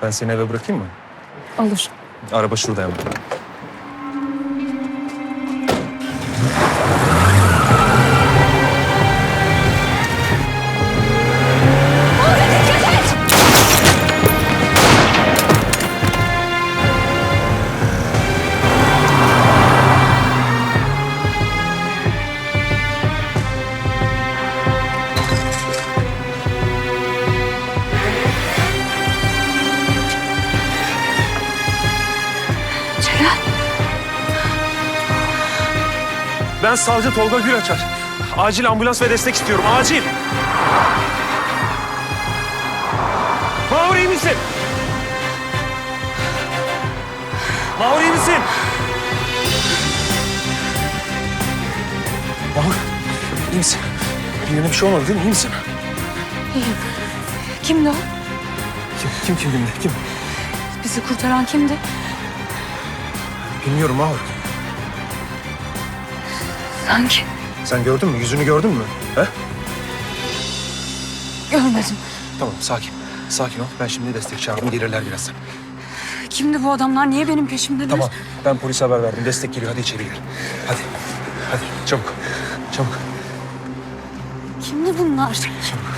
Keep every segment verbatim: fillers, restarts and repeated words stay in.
Ben seni eve bırakayım mı? Olur. Araba şurada hemen. Celal. Ben savcı Tolga Gülaçar. Acil ambulans ve destek istiyorum. Acil. Mahur iyi misin? Mahur iyi misin? Mahur iyi misin? Birine bir şey olmadı değil mi? İyi misin? İyiyim. Kimdi o? Kim kim kim kimdi? Kim? Bizi kurtaran kimdi? Bilmiyorum Mahur. Sanki Sen gördün mü? Yüzünü gördün mü? He? görmedim. Tamam sakin. Sakin ol. Ben şimdi destek çağırdım. Gelirler birazdan. Kimdi bu adamlar? Niye benim peşimdeler? Tamam. Ben polise haber verdim. Destek geliyor. Hadi içeri gir. Hadi. Hadi. Çabuk. Çabuk. Kimdi bunlar? Çabuk.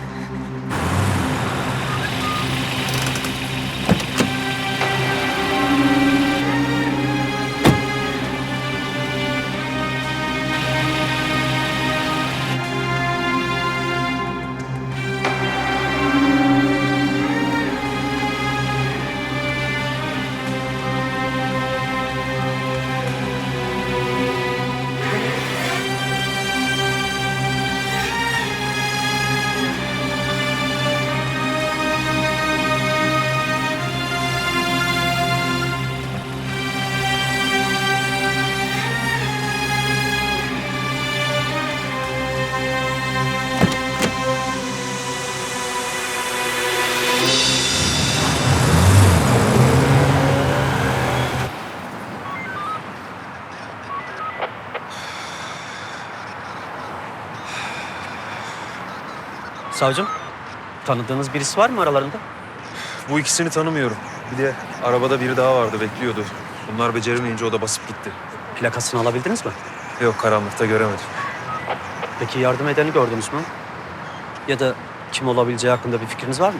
Savcım, tanıdığınız birisi var mı aralarında? Bu ikisini tanımıyorum. Bir de arabada biri daha vardı. Bekliyordu. Bunlar beceremeyince o da basıp gitti. Plakasını alabildiniz mi? Yok karanlıkta göremedim. Peki yardım edeni gördünüz mü? Ya da kim olabileceği hakkında bir fikriniz var mı?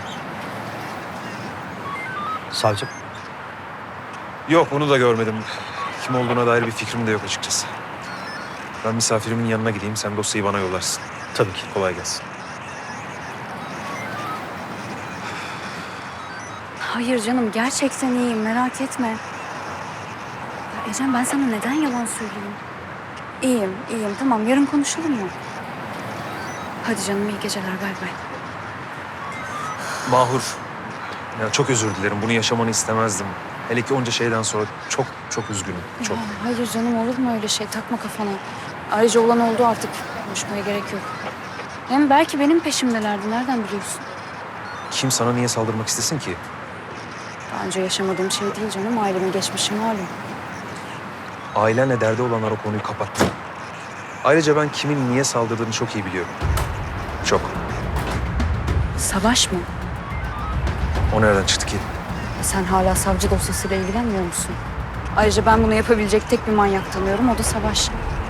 Savcım, Yok onu da görmedim. Kim olduğuna dair bir fikrim de yok açıkçası. Ben misafirimin yanına gideyim. Sen dosyayı bana yollarsın. tabii ki. Kolay gelsin. Hayır canım, gerçekten iyiyim. Merak etme. Ya Ecem, ben sana neden yalan söyleyeyim? İyiyim, iyiyim. Tamam, yarın konuşalım mı? Hadi canım, iyi geceler. Bay bay. Mahur. Ya çok özür dilerim. Bunu yaşamanı istemezdim. Hele ki onca şeyden sonra çok çok üzgünüm. Çok. Ya, hayır canım, olur mu öyle şey? Takma kafana. Ayrıca olan oldu artık. Konuşmaya gerek yok. Hem belki benim peşimdelerdi. Nereden biliyorsun? Kim sana niye saldırmak istesin ki? Daha önce yaşamadığım şey değil canım. Ailemin geçmişi malum. Ailenle derdi olanlar o konuyu kapattı. Ayrıca ben kimin niye saldırdığını çok iyi biliyorum. Çok. Savaş mı? O nereden çıktı ki? Sen hala savcı dosyasıyla ilgilenmiyor musun? Ayrıca ben bunu yapabilecek tek bir manyak tanıyorum. O da Savaş.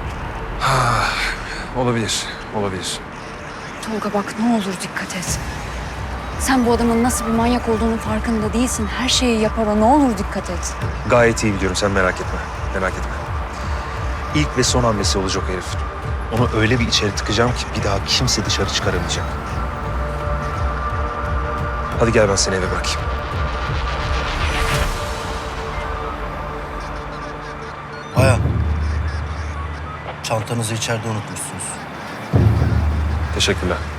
Olabilir, olabilir. Tolga bak, ne olur dikkat et. Sen bu adamın nasıl bir manyak olduğunun farkında değilsin. Her şeyi yapar o. Ne olur dikkat et. Gayet iyi biliyorum. Sen merak etme. Merak etme. İlk ve son hamlesi olacak o herif. Onu öyle bir içeri tıkacağım ki bir daha kimse dışarı çıkaramayacak. Hadi gel ben seni eve bırakayım. Aya. Çantanızı içeride unutmuşsunuz. Teşekkürler.